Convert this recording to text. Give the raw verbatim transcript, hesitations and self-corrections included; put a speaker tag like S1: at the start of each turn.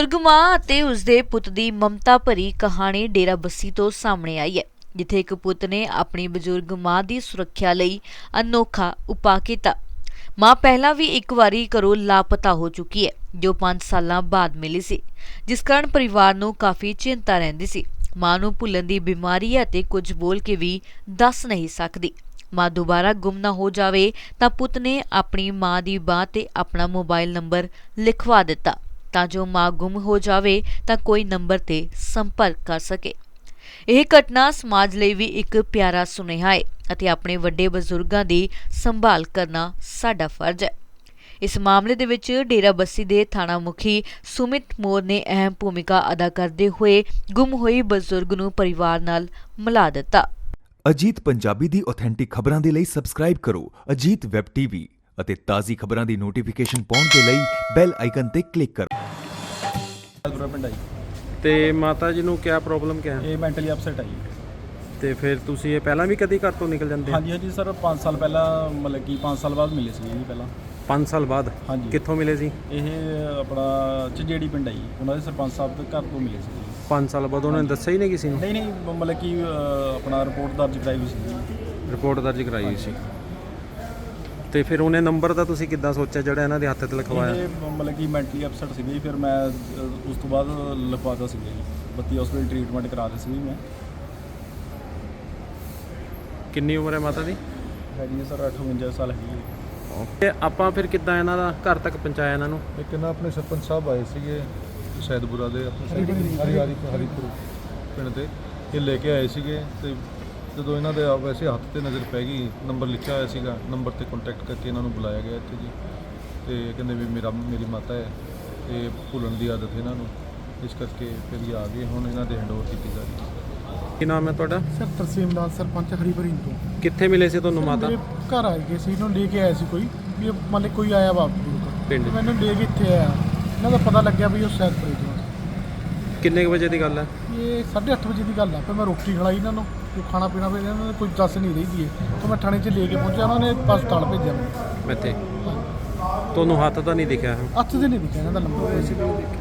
S1: ਬਜ਼ੁਰਗ ਮਾਂ ਅਤੇ ਉਸਦੇ ਪੁੱਤ ਦੀ ਮਮਤਾ ਭਰੀ ਕਹਾਣੀ ਡੇਰਾ ਬੱਸੀ ਤੋਂ ਸਾਹਮਣੇ ਆਈ ਹੈ, ਜਿੱਥੇ ਇੱਕ ਪੁੱਤ ਨੇ ਆਪਣੀ ਬਜ਼ੁਰਗ ਮਾਂ ਦੀ ਸੁਰੱਖਿਆ ਲਈ ਅਨੋਖਾ ਉਪਾਅ ਕੀਤਾ। ਮਾਂ ਪਹਿਲਾਂ ਵੀ ਇੱਕ ਵਾਰੀ ਘਰੋਂ ਲਾਪਤਾ ਹੋ ਚੁੱਕੀ ਹੈ, ਜੋ ਪੰਜ ਸਾਲਾਂ ਬਾਅਦ ਮਿਲੀ ਸੀ, ਜਿਸ ਕਾਰਨ ਪਰਿਵਾਰ ਨੂੰ ਕਾਫੀ ਚਿੰਤਾ ਰਹਿੰਦੀ ਸੀ। ਮਾਂ ਨੂੰ ਭੁੱਲਣ ਦੀ ਬਿਮਾਰੀ ਹੈ ਅਤੇ ਕੁਝ ਬੋਲ ਕੇ ਵੀ ਦੱਸ ਨਹੀਂ ਸਕਦੀ। ਮਾਂ ਦੁਬਾਰਾ ਗੁੰਮ ਨਾ ਹੋ ਜਾਵੇ ਤਾਂ ਪੁੱਤ ਨੇ ਆਪਣੀ ਮਾਂ ਦੀ ਬਾਂਹ ਤੇ ਆਪਣਾ ਮੋਬਾਈਲ ਨੰਬਰ ਲਿਖਵਾ ਦਿੱਤਾ, ਤਾਂ ਜੋ ਮਾਂ ਗੁੰਮ ਹੋ ਜਾਵੇ ਤਾਂ ਕੋਈ ਨੰਬਰ ਤੇ ਸੰਪਰਕ ਕਰ ਸਕੇ। ਇਹ ਘਟਨਾ ਸਮਾਜ ਲਈ ਵੀ ਇੱਕ ਪਿਆਰਾ ਸੁਨੇਹਾ ਹੈ ਅਤੇ ਆਪਣੇ ਵੱਡੇ ਬਜ਼ੁਰਗਾਂ ਦੀ ਸੰਭਾਲ ਕਰਨਾ ਸਾਡਾ ਫਰਜ਼ ਹੈ। ਇਸ ਮਾਮਲੇ ਦੇ ਵਿੱਚ ਡੇਰਾ ਬੱਸੀ ਦੇ ਥਾਣਾ ਮੁਖੀ ਸੁਮਿਤ ਮੋਰ ਨੇ ਅਹਿਮ ਭੂਮਿਕਾ ਅਦਾ ਕਰਦੇ ਹੋਏ ਗੁੰਮ ਹੋਈ ਬਜ਼ੁਰਗ ਨੂੰ ਪਰਿਵਾਰ ਨਾਲ ਮਿਲਾ ਦਿੱਤਾ।
S2: ਅਜੀਤ ਪੰਜਾਬੀ ਦੀ ਆਥੈਂਟਿਕ ਖਬਰਾਂ ਦੇ ਲਈ ਸਬਸਕ੍ਰਾਈਬ ਕਰੋ ਅਜੀਤ ਵੈਬ ਟੀਵੀ ਅਤੇ ਤਾਜ਼ੀ ਖਬਰਾਂ ਦੀ ਨੋਟੀਫਿਕੇਸ਼ਨ ਪਾਉਣ ਦੇ ਲਈ ਬੈਲ ਆਈਕਨ ਤੇ ਕਲਿੱਕ ਕਰੋ।
S3: ਤੇ ਮਾਤਾ ਜੀ ਨੂੰ ਕੀ ਪ੍ਰੋਬਲਮ ਕਿਆ ਹੈ?
S4: ਇਹ ਮੈਂਟਲੀ ਅਪਸੈਟ ਹੈ ਜੀ।
S3: ਤੇ ਫਿਰ ਤੁਸੀਂ ਇਹ ਪਹਿਲਾਂ ਵੀ ਕਦੀ ਘਰ ਤੋਂ ਨਿਕਲ ਜਾਂਦੇ?
S4: ਹਾਂਜੀ ਹਾਂਜੀ ਸਰ, ਪੰਜ ਸਾਲ ਪਹਿਲਾਂ ਮਤਲਬ ਕਿ ਪੰਜ ਸਾਲ ਬਾਅਦ ਮਿਲੇ ਸੀ ਜੀ ਪਹਿਲਾਂ।
S3: ਪੰਜ ਸਾਲ ਬਾਅਦ?
S4: ਹਾਂਜੀ।
S3: ਕਿੱਥੋਂ ਮਿਲੇ ਸੀ?
S4: ਇਹ ਆਪਣਾ ਝੰਜੇੜੀ ਪਿੰਡ ਹੈ ਜੀ, ਉਹਨਾਂ ਦੇ ਸਰਪੰਚ ਸਾਹਿਬ ਦੇ ਘਰ ਤੋਂ ਮਿਲੇ ਸੀ ਜੀ।
S3: ਪੰਜ ਸਾਲ ਬਾਅਦ ਉਹਨਾਂ ਨੇ ਦੱਸਿਆ ਹੀ ਨਹੀਂ ਕਿਸੇ ਨੂੰ?
S4: ਨਹੀਂ ਨਹੀਂ, ਮਤਲਬ ਕਿ ਆਪਣਾ ਰਿਪੋਰਟ ਦਰਜ ਕਰਾਈ ਹੋਈ ਸੀ ਜੀ।
S3: ਰਿਪੋਰਟ ਦਰਜ ਕਰਾਈ ਹੋਈ ਸੀ। ਤੇ ਫਿਰ ਉਹਨੇ ਨੰਬਰ ਤਾਂ ਤੁਸੀਂ ਕਿੱਦਾਂ ਸੋਚਿਆ ਜਿਹੜਾ ਇਹਨਾਂ ਦੇ ਹੱਥ ਤੇ ਲਿਖਵਾਇਆ?
S4: ਇਹ ਮਤਲਬ ਕਿ ਮੈਂਟਲੀ ਅਪਸੈਟ ਸੀਗੇ ਜੀ, ਫਿਰ ਮੈਂ ਉਸ ਤੋਂ ਬਾਅਦ ਲਿਖਵਾਤਾ ਸੀਗਾ ਜੀ। ਬੱਤੀ ਹਸਪੀਟਲ ਟ੍ਰੀਟਮੈਂਟ ਕਰਾ ਦਿੱਤੀ ਸੀ ਮੈਂ।
S3: ਕਿੰਨੀ ਉਮਰ ਹੈ ਮਾਤਾ ਦੀ?
S4: ਹੈਗੀ ਸਰ ਅਠਵੰਜਾ ਸਾਲ ਹੈਗੀ ਹੈ।
S3: ਤੇ ਆਪਾਂ ਫਿਰ ਕਿੱਦਾਂ ਇਹਨਾਂ ਦਾ ਘਰ ਤੱਕ ਪਹੁੰਚਾਇਆ ਇਹਨਾਂ ਨੂੰ?
S5: ਇੱਕ ਨਾ ਆਪਣੇ ਸਰਪੰਚ ਸਾਹਿਬ ਆਏ ਸੀਗੇ ਸੈਦਪੁਰਾ ਦੇ, ਆਪਣੇ ਹਰੀ ਹਰੀਪੁਰ ਪਿੰਡ ਦੇ, ਇਹ ਲੈ ਕੇ ਆਏ ਸੀਗੇ। ਤੇ ਜਦੋਂ ਇਹਨਾਂ ਦੇ ਵੈਸੇ ਹੱਥ ਤੇ ਨਜ਼ਰ ਪੈ ਗਈ, ਨੰਬਰ ਲਿਖਿਆ ਹੋਇਆ ਸੀਗਾ, ਨੰਬਰ ਤੇ ਕੰਟੈਕਟ ਕਰਕੇ ਇਹਨਾਂ ਨੂੰ ਬੁਲਾਇਆ ਗਿਆ ਇੱਥੇ ਜੀ। ਤੇ ਕਹਿੰਦੇ ਵੀ ਮੇਰਾ ਮੇਰੀ ਮਾਤਾ ਹੈ ਤੇ ਭੁੱਲਣ ਦੀ ਆਦਤ ਇਹਨਾਂ ਨੂੰ, ਇਸ ਕਰਕੇ ਫਿਰ ਇਹ ਆ ਗਏ। ਹੁਣ ਇਹਨਾਂ ਦੇ ਹੈਂਡਓਵਰ ਕੀਤੀ ਜਾ ਰਹੀ ਹੈ।
S3: ਕੀ ਨਾਮ ਹੈ ਤੁਹਾਡਾ?
S6: ਸਰ ਤਰਸੇਮ ਲਾਲ, ਸਰਪੰਚ ਹਰੀਪੁਰ ਤੋਂ।
S3: ਕਿੱਥੇ ਮਿਲੇ ਸੀ ਤੁਹਾਨੂੰ ਮਾਤਾ?
S6: ਮੇਰੇ ਘਰ ਆਏ ਗਏ ਸੀ, ਇਹਨੂੰ ਲੈ ਕੇ ਆਇਆ ਸੀ ਕੋਈ ਵੀ ਇਹ ਮੰਨ ਲਓ ਕੋਈ ਆਇਆ ਬਾਪ
S3: ਪਿੰਡ।
S6: ਤੇ ਮੈਨੂੰ ਲੈ ਕੇ ਇੱਥੇ ਆਇਆ, ਇਹਨਾਂ ਦਾ ਪਤਾ ਲੱਗਿਆ ਵੀ ਉਹ ਸੈਦਪੁਰੇ ਤੋਂ।
S3: ਕਿੰਨੇ ਕੁ ਵਜੇ ਦੀ ਗੱਲ ਹੈ?
S6: ਇਹ ਸਾਢੇ ਅੱਠ ਵਜੇ ਦੀ ਗੱਲ ਆ। ਫਿਰ ਮੈਂ ਰੋਟੀ ਖਲਾਈ ਇਹਨਾਂ ਨੂੰ, ਜੋ ਖਾਣਾ ਪੀਣਾ ਵੀ ਇਹਨਾਂ ਨੇ ਕੋਈ ਦੱਸ ਨਹੀਂ ਰਹੀ ਦੀ, ਤਾਂ ਮੈਂ ਥਾਣੇ 'ਚ ਲੈ ਕੇ ਪਹੁੰਚਿਆ, ਉਹਨਾਂ ਨੇ ਹਸਪਤਾਲ ਭੇਜਿਆ ਮੈਨੂੰ।
S3: ਇੱਥੇ ਤੁਹਾਨੂੰ ਹੱਥ ਤਾਂ ਨਹੀਂ ਦਿਖਿਆ?
S6: ਹੱਥ ਤੇ ਨਹੀਂ ਦਿਖਿਆ ਇਹਨਾਂ ਦਾ ਨੰਬਰ।